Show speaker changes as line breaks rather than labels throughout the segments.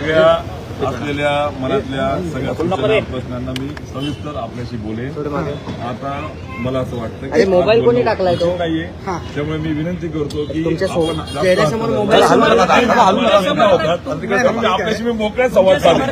सगळ्या असलेल्या मनातल्या सगळ्या सूचना प्रश्नांना मी सविस्तर आपल्याशी बोलेन. आता मला असं वाटतं की
मोबाईल कोणी टाकलाय तो
नाहीये, त्यामुळे मी विनंती करतो की आपल्याशी मी मोकळ्या संवाद साधेन.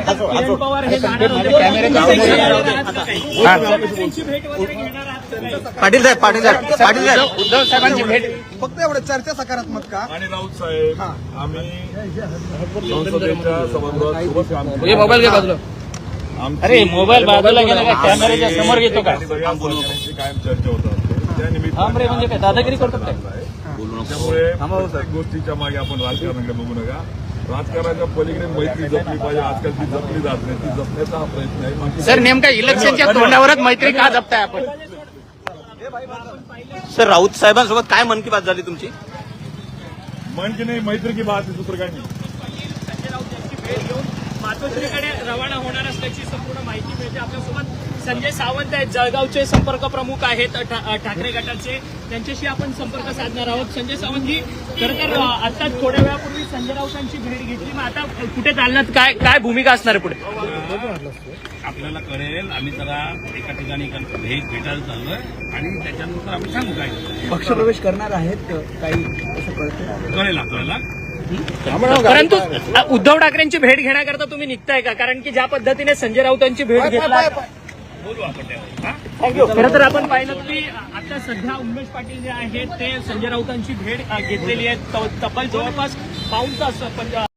पाटील साहेब उद्धव साहेबांची भेट
फक्त एवढं चर्चा सकारात्मक का?
आणि राऊत साहेब आम्ही संसदेच्या सभागृहात सोबत काम केलं.
मोबाईल घे बाजूला.
अरे
मोबाईल बाजूला गेला का? कॅमेऱ्याच्या समोर घेतो का?
सगळ्या सहकाऱ्यांची कायम चर्चा होतात. त्या
म्हणजे काय दादागिरी करतो काय?
त्यामुळे प्रत्येक गोष्टीच्या मागे आपण राजकारणाकडे बघू नका. राजकारणाच्या पलीकडे मैत्री जपली पाहिजे. आजकाल ती जपली जात नाही, ती जपण्याचा हा प्रयत्न आहे.
सर नेमका इलेक्शनच्या तोंडावरच मैत्री का जपताय आपण?
सर राऊत साहेबांसोबत काय मन की बात झाली तुमची?
मन की नाही, मैत्री की बात आहे, दुसरं काय नाही.
संजय राऊत यांची भेट घेऊन मातोश्रीकडे रवाना होणार असल्याची संपूर्ण माहिती मिळते. आपल्यासोबत संजय सावंत आहेत, जळगावचे संपर्क प्रमुख आहेत ठाकरे गटाचे. त्यांच्याशी आपण संपर्क साधणार आहोत. संजय सावंतजी, खरं तर आता थोड्या वेळापूर्वी संजय राऊतांची भेट घेतली, मग आता कुठे चालणार, काय भूमिका असणार आहे पुढे?
आपल्याला कळेल. आम्ही जरा एका ठिकाणी भेटायला चाललोय आणि त्याच्यानंतर आम्ही सांगू काय
पक्षप्रवेश करणार आहेत काही असं कळतं?
कळेल आपल्याला.
परंतु उद्धव ठाकरेंची भेट घेण्याकरता तुम्ही निघताय का? कारण की ज्या पद्धतीने संजय राऊतांची भेट घेतला,
बोलू आपण त्यावर.
खरं तर आपण पाहिलं की आता सध्या उमेश पाटील जे आहेत ते संजय राऊतांची भेट घेतलेली आहे. तब्बल जवळपास पाऊण तास